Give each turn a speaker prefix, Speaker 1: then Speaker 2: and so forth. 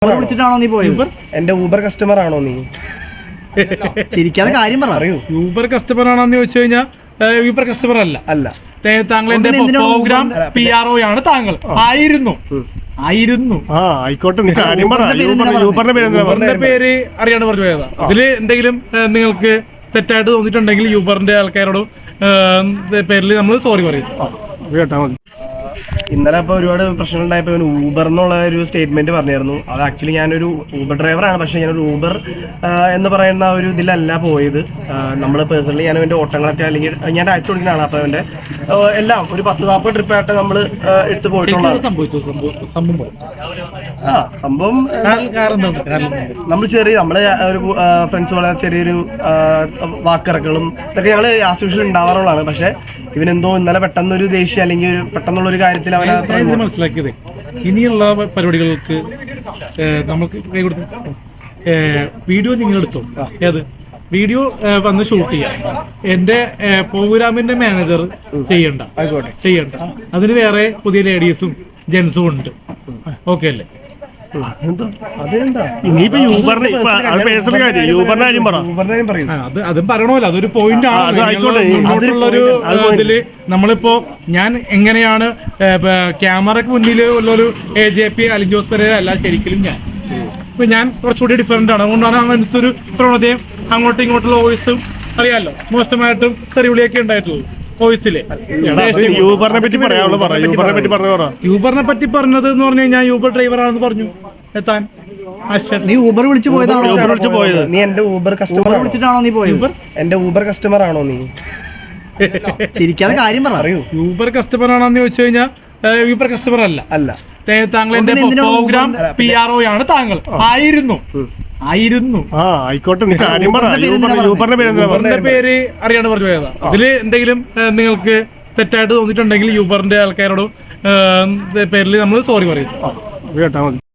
Speaker 1: വിളിച്ചിട്ടാണോ നീ പോയത്?
Speaker 2: എന്റെ ഊബർ കസ്റ്റമർ ആണോ നീ?
Speaker 1: ചിരിക്കാതെ കാര്യം പറയൂ.
Speaker 3: യൂബർ കസ്റ്റമർ ആണെന്ന് ചോദിച്ചു കഴിഞ്ഞാൽ യൂബർ കസ്റ്റമർ അല്ല.
Speaker 2: അല്ല,
Speaker 3: താങ്കൾ എന്റെ പ്രോഗ്രാം PRO ആണ്. താങ്കൾ ആയിരുന്നു.
Speaker 4: ആയിക്കോട്ടെ,
Speaker 3: യൂബറിന്റെ പേര് അറിയാണ്ട് പറഞ്ഞു പോയതാ. അതില് എന്തെങ്കിലും നിങ്ങൾക്ക് തെറ്റായിട്ട് തോന്നിയിട്ടുണ്ടെങ്കിൽ യൂബറിന്റെ ആൾക്കാരോട് പേരിൽ നമ്മൾ സോറി പറയും.
Speaker 2: ഇന്നലെ അപ്പോൾ ഒരുപാട് പ്രശ്നങ്ങൾ ഉണ്ടായപ്പോൾ ഊബർ എന്നുള്ള ഒരു സ്റ്റേറ്റ്മെന്റ് പറഞ്ഞായിരുന്നു. അത് ആക്ച്വലി ഞാനൊരു ഊബർ ഡ്രൈവറാണ്, പക്ഷേ ഞാനൊരു ഊബർ എന്ന് പറയുന്ന ഒരു ഇതിലല്ല പോയത്. നമ്മൾ പേഴ്സണലി ഞാൻ എൻ്റെ ഓട്ടങ്ങളൊക്കെ അല്ലെങ്കിൽ ഞാൻ അയച്ചു കൊടുക്കുന്നതാണ്. അപ്പോൾ അവൻ്റെ എല്ലാം ഒരു 10-40 ട്രിപ്പായിട്ട് നമ്മൾ എടുത്ത് പോയിട്ടുള്ളതാണ്. സംഭവം നമ്മൾ നമ്മള് ഒരു ഫ്രണ്ട്സ് പോലെ ചെറിയൊരു വാക്കിറക്കലും ഇതൊക്കെ ഞങ്ങൾ ആസ് യൂഷ്വൽ ഉണ്ടാവാറുള്ളതാണ്. പക്ഷെ ഇവനെന്തോ ഇന്നലെ പെട്ടെന്നൊരു ദേഷ്യം അല്ലെങ്കിൽ ഒരു പെട്ടെന്നുള്ളൊരു കാര്യത്തിൽ
Speaker 3: മനസ്സിലാക്കിയത് ഇനിയുള്ള പരിപാടികൾക്ക് നമുക്ക് കൈ കൊടുത്തു വീഡിയോ നിങ്ങൾ എടുത്തോ. ഏത് വീഡിയോ വന്ന് ഷൂട്ട് ചെയ്യാം. എന്റെ പ്രോഗ്രാമിന്റെ മാനേജർ ചെയ്യണ്ട. അതിന് വേറെ പുതിയ ലേഡീസും ജെന്റ്സും ഉണ്ട്. ഓക്കെ അല്ലേ? അതും പറയണമല്ലോ, അതൊരു പോയിന്റ് ആണ്. ഇതില് നമ്മളിപ്പോ ഞാൻ എങ്ങനെയാണ് ക്യാമറക്ക് മുന്നിൽ ഉള്ളൊരു AJP അലിൻ ജോസ് പെരേര അല്ല ശരിക്കും ഞാൻ കുറച്ചുകൂടി ഡിഫറെന്റ് ആണ്. അതുകൊണ്ടാണ് അങ്ങനത്തെ ഒരു പ്രവണതയും അങ്ങോട്ടും ഇങ്ങോട്ടുള്ള വോയിസും അറിയാമല്ലോ മോശമായിട്ടും തെറിവിളിയൊക്കെ ഉണ്ടായിട്ടുള്ളൂ. യൂബറിനെ പറ്റി പറഞ്ഞത് എന്ന് പറഞ്ഞു കഴിഞ്ഞാൽ യൂബർ ഡ്രൈവറാണെന്ന് പറഞ്ഞു. എത്താൻ
Speaker 1: നീ ഊബർ വിളിച്ചു പോയതാണോ?
Speaker 2: നീ എന്റെ ഊബർ കസ്റ്റമർ
Speaker 1: വിളിച്ചിട്ടാണോ നീ പോയത്?
Speaker 2: എന്റെ ഊബർ കസ്റ്റമർ ആണോ നീ?
Speaker 1: ചിരിക്കാതെ കാര്യം പറയൂ.
Speaker 3: യൂബർ കസ്റ്റമർ ആണെന്ന് ചോദിച്ചു കഴിഞ്ഞാൽ യൂബർ കസ്റ്റമർ അല്ല. താങ്കൾ എന്റെ പ്രോഗ്രാം PRO ആണ്. താങ്കൾ ആയിരുന്നു.
Speaker 4: ആയിക്കോട്ടെ,
Speaker 3: യൂബറിന്റെ പേര് അറിയാണ്ട് പറഞ്ഞു പോയതാ. അതില് എന്തെങ്കിലും നിങ്ങൾക്ക് തെറ്റായിട്ട് തോന്നിയിട്ടുണ്ടെങ്കിൽ യൂബറിന്റെ ആൾക്കാരോട് പേരിൽ നമ്മൾ സോറി പറയും.